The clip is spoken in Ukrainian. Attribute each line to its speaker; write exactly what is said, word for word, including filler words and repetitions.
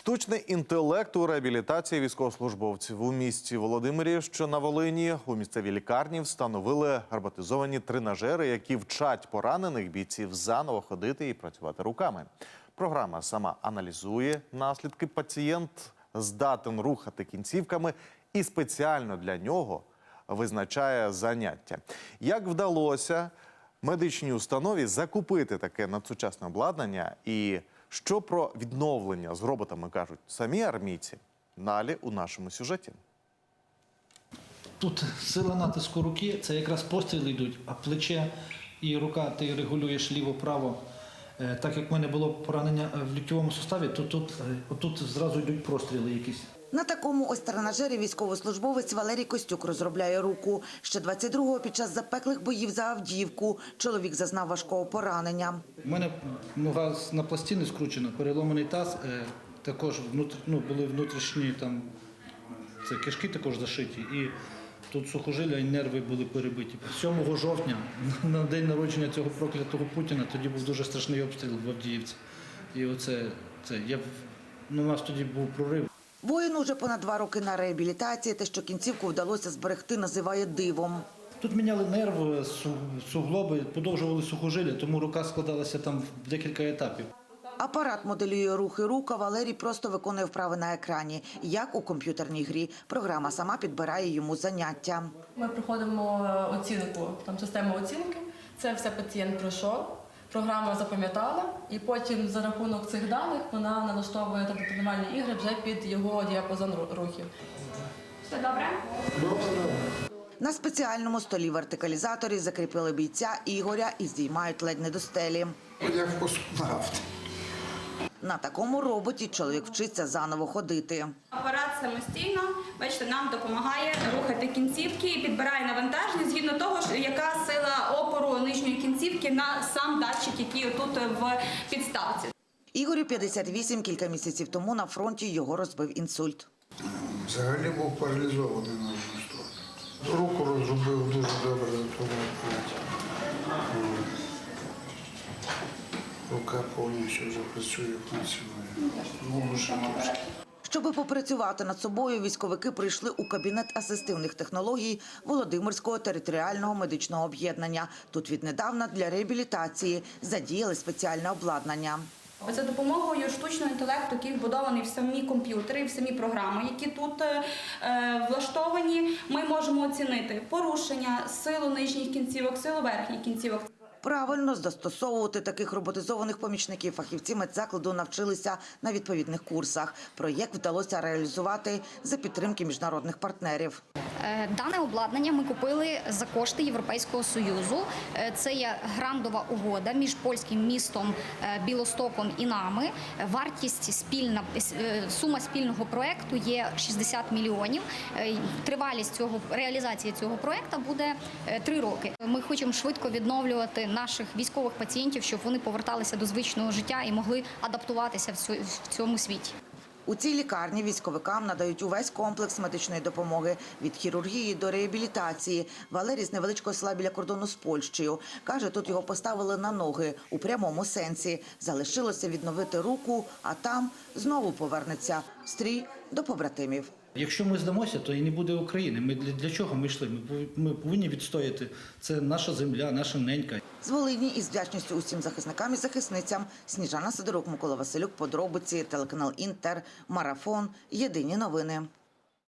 Speaker 1: Штучний інтелект у реабілітації військовослужбовців. У місті Володимирі, що на Волині, у місцевій лікарні встановили роботизовані тренажери, які вчать поранених бійців заново ходити і працювати руками. Програма сама аналізує наслідки. Пацієнт здатен рухати кінцівками і спеціально для нього визначає заняття. Як вдалося медичній установі закупити таке надсучасне обладнання і що про відновлення з роботами кажуть самі армійці? Далі у нашому сюжеті.
Speaker 2: Тут сила натиску руки, це якраз постріли йдуть, а плече і рука ти регулюєш ліво-право. Так як в мене було поранення в ліктьовому суставі, то тут, тут зразу йдуть простріли якісь.
Speaker 3: На такому ось тренажері військовослужбовець Валерій Костюк розробляє руку. Ще двадцять другого під час запеклих боїв за Авдіївку чоловік зазнав важкого поранення.
Speaker 2: У мене нога на пластини скручена, переломаний таз, також внутр... ну, були внутрішні там, це кишки також зашиті. І тут сухожилля і нерви були перебиті. сьомого жовтня, на день народження цього проклятого Путіна, тоді був дуже страшний обстріл в Авдіївці. І оце, це, я, ну, у нас тоді був прорив.
Speaker 3: Воїн уже понад два роки на реабілітації. Те, що кінцівку вдалося зберегти, називає дивом.
Speaker 2: Тут міняли нерви, суглоби, подовжували сухожилля, тому рука складалася там в декілька етапів.
Speaker 3: Апарат моделює рухи рук, а Валерій просто виконує вправи на екрані, як у комп'ютерній грі. Програма сама підбирає йому заняття.
Speaker 4: Ми проходимо оцінку, там систему оцінки. Це все пацієнт пройшов, програма запам'ятала, і потім за рахунок цих даних вона налаштовує тренувальні ігри вже під його діапазон рухів.
Speaker 5: Все добре?
Speaker 3: На спеціальному столі вертикалізаторі закріпили бійця Ігоря і здіймають ледь не до стелі.
Speaker 6: Як космонавт.
Speaker 3: На такому роботі чоловік вчиться заново ходити.
Speaker 5: Апарат самостійно, бачите, нам допомагає рухати кінцівки і підбирає навантаження згідно того, яка сила опору нижньої кінцівки на сам датчик, який тут в підставці.
Speaker 3: Ігорю п'ятдесят вісім, кілька місяців тому на фронті його розбив інсульт.
Speaker 6: Взагалі був паралізований на одну сторону. Руку розробив дуже добре на тому апараті. Рука повністю вже працює, працює.
Speaker 3: Щоби попрацювати над собою, військовики прийшли у кабінет асистивних технологій Володимирського територіального медичного об'єднання. Тут віднедавна для реабілітації задіяли спеціальне обладнання.
Speaker 5: За допомогою штучного інтелекту, який вбудований в самі комп'ютери, в самі програми, які тут е, влаштовані, ми можемо оцінити порушення, силу нижніх кінцівок, силу верхніх кінцівок.
Speaker 3: Правильно застосовувати таких роботизованих помічників фахівці медзакладу навчилися на відповідних курсах. Проєкт вдалося реалізувати за підтримки міжнародних партнерів.
Speaker 7: Дане обладнання ми купили за кошти Європейського Союзу. Це є грантова угода між польським містом Білостоком і нами. Вартість спільна, сума спільного проєкту є шістдесят мільйонів. Тривалість цього, реалізації цього проєкту буде три роки. Ми хочемо швидко відновлювати наших військових пацієнтів, щоб вони поверталися до звичного життя і могли адаптуватися в цьому світі.
Speaker 3: У цій лікарні військовикам надають увесь комплекс медичної допомоги – від хірургії до реабілітації. Валерій з невеличкого села біля кордону з Польщею. Каже, тут його поставили на ноги у прямому сенсі. Залишилося відновити руку, а там знову повернеться в стрій до побратимів.
Speaker 2: Якщо ми здамося, то і не буде України. Ми для, для чого ми йшли? Ми, ми повинні відстояти. Це наша земля, наша ненька.
Speaker 3: З Волині із вдячністю усім захисникам і захисницям. Сніжана Сидорук, Микола Василюк, подробиці, телеканал Інтер, Марафон, Єдині новини.